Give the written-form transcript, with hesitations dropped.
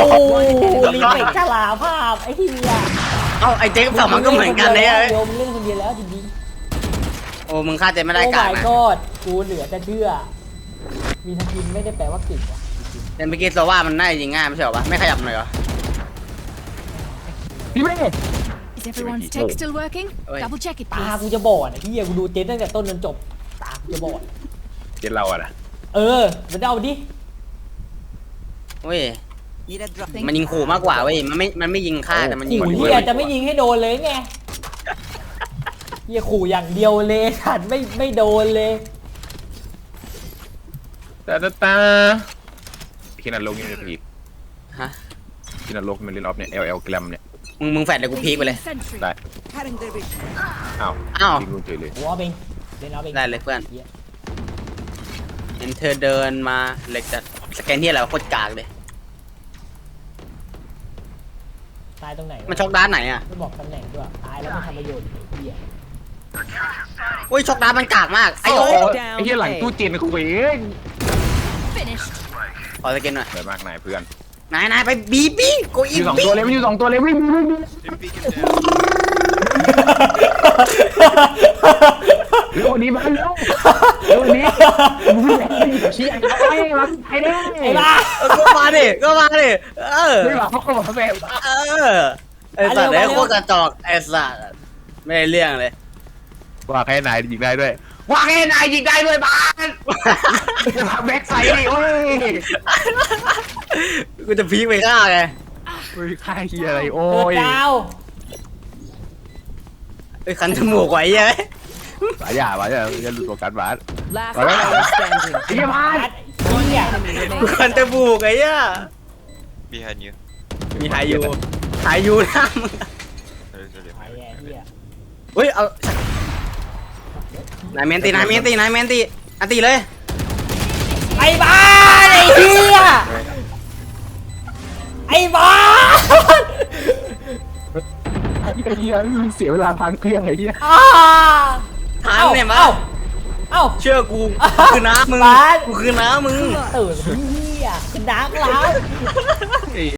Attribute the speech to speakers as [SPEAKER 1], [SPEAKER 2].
[SPEAKER 1] รีเฟกฉลาภาพไอ้เหี้ย
[SPEAKER 2] เอ้าไอ้เจ๊กับสองมันก็เหมือนกันเลย
[SPEAKER 1] โยมเล่นคนเดียวแล้วจริง
[SPEAKER 2] โอ้มึงฆ่าเจ๊ไม่
[SPEAKER 1] ๆ
[SPEAKER 2] ได้
[SPEAKER 1] โอ้
[SPEAKER 2] กาก
[SPEAKER 1] my
[SPEAKER 2] นะ
[SPEAKER 1] god กูเหลือจะเชื่อมีทันทีไม่ได้แปลว่าเก่งว่ะ
[SPEAKER 2] แต่เมื่อกี้โซว่ามันน่าจะยิงง่ายไม่ใช่หรอวะไม่ขยับหน่อยเหรอ
[SPEAKER 3] พี่เมย์
[SPEAKER 4] Is everyone's tech still working?
[SPEAKER 2] Oi.
[SPEAKER 4] Double check it,
[SPEAKER 1] ตา
[SPEAKER 4] please.
[SPEAKER 1] กูจะบอดไอ้เหี้ยกูดูเจนตั้งแต่ต้นจนจบตากูจะบอด
[SPEAKER 3] เจ็ดเราอะนะ
[SPEAKER 1] เออมันเอาดิ
[SPEAKER 2] เว้ย
[SPEAKER 4] Need a drop.
[SPEAKER 2] มันยิงขู่มากกว่าเว้ยมันไม่ยิงฆ่าแต่มันยิง
[SPEAKER 1] ขู่
[SPEAKER 2] ขู่
[SPEAKER 1] เหี้ยจะไม่ยิงให้โดนเลยไงเหี้ยขู่อย่างเดียวเลยขัดไม่โดนเลย
[SPEAKER 3] ตาคินาโลกนี่จะพีก
[SPEAKER 2] ฮะ
[SPEAKER 3] คินาโลกมันเล่นออฟเนี่ย LL แกรมเนี่ย
[SPEAKER 2] มึงแฟดเลยกูพีกไปเลย
[SPEAKER 4] Sentry.
[SPEAKER 3] ได้
[SPEAKER 4] Carrying their vision.
[SPEAKER 3] อ้าว
[SPEAKER 2] อ้าว
[SPEAKER 3] ยิงลูกเฉยเลย
[SPEAKER 1] หัวเบงเล่นเอาเบง
[SPEAKER 2] ได้เลยเพื่อน
[SPEAKER 1] หี้ย
[SPEAKER 2] เห็นเธอเดินมาเหล็กจะสแกนที่อะไรวะโคตรกากเลย
[SPEAKER 1] ตายตรงไหนวะ
[SPEAKER 2] มันช็อกด้านไหนอ่ะ
[SPEAKER 1] ไม่บอกตำแหน่งด้วยตายแล้วไม่ทำประโยชน์ไอ้เหี้ย
[SPEAKER 2] อุ้ยช็อกด้านมันกากมากไอ้
[SPEAKER 3] โอ้
[SPEAKER 2] โอ้
[SPEAKER 3] ไอ้เหี้ยหลังตู้เจนกูเอง
[SPEAKER 4] Finished.
[SPEAKER 2] ขอสแกนหน่อย
[SPEAKER 3] สวยมากนายเพื่อน
[SPEAKER 2] นายไปบีกู
[SPEAKER 3] อ
[SPEAKER 2] อี
[SPEAKER 3] ยู่สอง
[SPEAKER 2] บี
[SPEAKER 3] ตัวเลยมันอยู่สองตัวเลยวิ่งเร็วนี้มาเร็วนี้ชี้ไอ้มาไอ้เด้
[SPEAKER 1] ไอ้บ้า
[SPEAKER 2] ก็มาดิเออ
[SPEAKER 3] ไม่มาเขาบอกแบบ
[SPEAKER 2] เออไอ้สัตว์ไอ้โคตรกระจอกไอ้สัตว์ไม่ได้เรื่องเลย
[SPEAKER 3] ว่าแค่นายยิงได้ด้วยว่าแค่นายยิงได้ด้วยบ้านแบ็คไซด์ดิโอ้ย
[SPEAKER 2] กูจะพีกไปฆ่าไง
[SPEAKER 3] ค่าเฮียอะไรโอ้
[SPEAKER 1] เกิด
[SPEAKER 3] ย
[SPEAKER 1] ดาว
[SPEAKER 2] ไอ้คันจมูกไว้ยัย
[SPEAKER 3] สายอย่าอย่าหลุดโฟกัสบ้าน
[SPEAKER 4] Last
[SPEAKER 3] Alright.
[SPEAKER 4] player standing.
[SPEAKER 3] ไอ้เหี้ยบ้าน
[SPEAKER 1] ไอ้เหี้ย
[SPEAKER 4] Enemy
[SPEAKER 2] กู
[SPEAKER 4] remaining.
[SPEAKER 2] คันจมูกไอ้ย่า
[SPEAKER 5] Behind you.
[SPEAKER 2] มีหายอยู่หายอยู่นะมึง
[SPEAKER 5] There is a
[SPEAKER 1] ไอ้
[SPEAKER 5] left.
[SPEAKER 1] เหี้ย
[SPEAKER 2] เฮ้ยเอานายเมนตีอันตีเลย
[SPEAKER 1] ไอ้บ้าไอ้เหี้ยไอ้บ้า
[SPEAKER 3] ไอ้เหี้ยเสียเวลาพังเครื่องไอ้เหี้ย
[SPEAKER 1] อ้า
[SPEAKER 2] ทานเนี่ยมา
[SPEAKER 1] เอ้า
[SPEAKER 2] เชื่อกูคือน้ามึง
[SPEAKER 1] บาส
[SPEAKER 2] กูคือน้ามึง
[SPEAKER 1] ตื่นเหี้ยเป็นดักแล้ว